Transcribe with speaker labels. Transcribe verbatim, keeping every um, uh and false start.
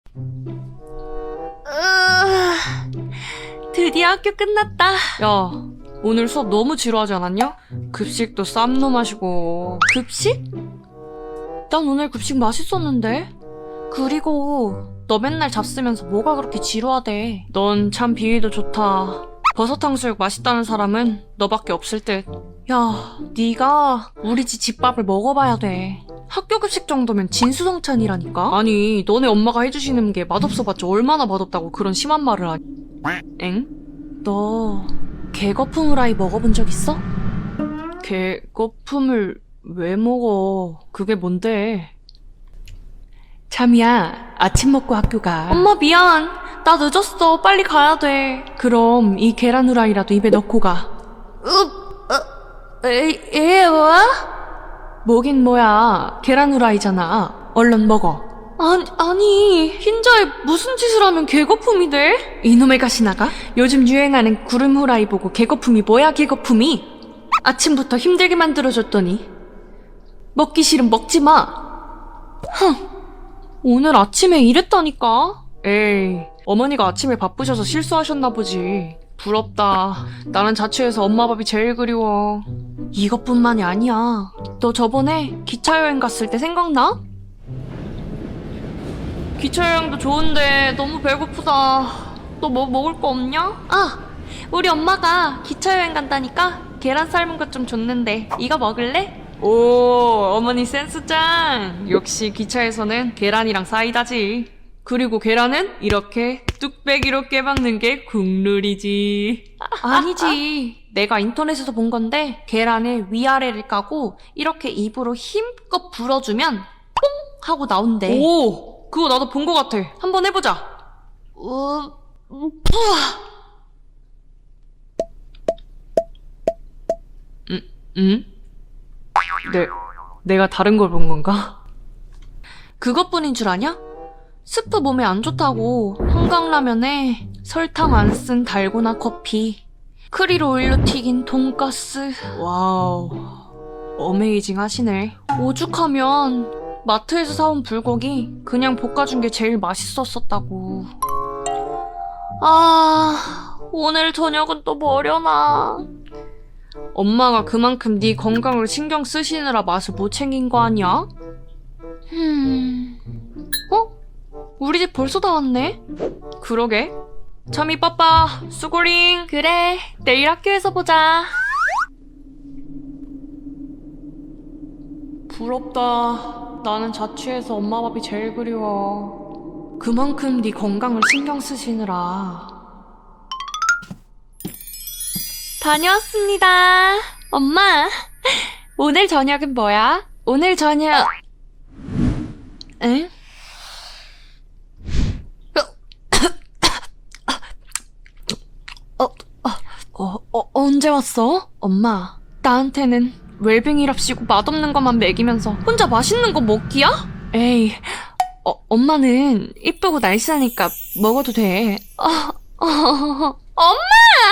Speaker 1: 드디어 학교 끝났다. 야, 오늘 수업 너무 지루하지 않았냐? 급식도 쌈로 마시고. 급식? 난 오늘 급식 맛있었는데? 그리고 너 맨날 잡쓰면서 뭐가 그렇게 지루하대. 넌 참 비위도 좋다. 버섯 탕수육 맛있다는 사람은 너밖에 없을 듯. 야, 네가 우리 집 집밥을 먹어봐야 돼. 학교 급식 정도면 진수성찬이라니까? 아니, 너네 엄마가 해주시는 게 맛없어봤자 얼마나 맛없다고 그런 심한 말을 하니? 엥? 너 개거품 후라이 먹어본 적 있어? 개거품을 왜 먹어? 그게 뭔데? 참이야, 아침 먹고 학교 가. 엄마 미안. 나 늦었어. 빨리 가야 돼. 그럼 이 계란 후라이라도 입에 넣고 가. 읍, 어, 에, 에, 뭐? 뭐긴 뭐야. 계란 후라이잖아. 얼른 먹어. 아니, 아니, 흰자에 무슨 짓을 하면 개거품이 돼? 이놈의 가시나가? 요즘 유행하는 구름 후라이 보고 개거품이 뭐야, 개거품이? 아침부터 힘들게 만들어줬더니 먹기 싫으면 먹지 마. 흥, 오늘 아침에 이랬다니까? 에이, 어머니가 아침에 바쁘셔서 실수하셨나 보지. 부럽다. 나는 자취해서 엄마 밥이 제일 그리워. 이것뿐만이 아니야. 너 저번에 기차 여행 갔을 때 생각나? 기차 여행도 좋은데 너무 배고프다. 너 뭐 먹을 거 없냐? 아, 우리 엄마가 기차 여행 간다니까 계란 삶은 것 좀 줬는데 이거 먹을래? 오, 어머니 센스 짱. 역시 기차에서는 계란이랑 사이다지. 그리고 계란은 이렇게 뚝배기로 깨박는 게 국룰이지. 아니지. 내가 인터넷에서 본 건데 계란을 위아래를 까고 이렇게 입으로 힘껏 불어주면 뽕! 하고 나온대. 오! 그거 나도 본 것 같아. 한번 해보자. 어... 뿌아! 음? 음? 내, 내가 다른 걸 본 건가? 그것뿐인 줄 아냐? 스프 몸에 안 좋다고 한강라면에 설탕 안 쓴 달고나 커피, 크리로 올려 튀긴 돈가스. 와우, 어메이징 하시네. 오죽하면 마트에서 사온 불고기 그냥 볶아준 게 제일 맛있었었다고. 아, 오늘 저녁은 또 뭐려나. 엄마가 그만큼 네 건강을 신경 쓰시느라 맛을 못 챙긴 거 아니야? 흠... 어? 우리 집 벌써 다 왔네? 그러게. 참이 빠빠, 수고링. 그래, 내일 학교에서 보자. 부럽다. 나는 자취해서 엄마 밥이 제일 그리워. 그만큼 네 건강을 신경 쓰시느라. 다녀왔습니다. 엄마, 오늘 저녁은 뭐야? 오늘 저녁... 에? 어, 어, 어, 언제 왔어? 엄마, 나한테는 웰빙이랍시고 맛없는 것만 먹이면서 혼자 맛있는 거 먹기야? 에이, 어, 엄마는 이쁘고 날씬하니까 먹어도 돼. 어, 어, 엄마!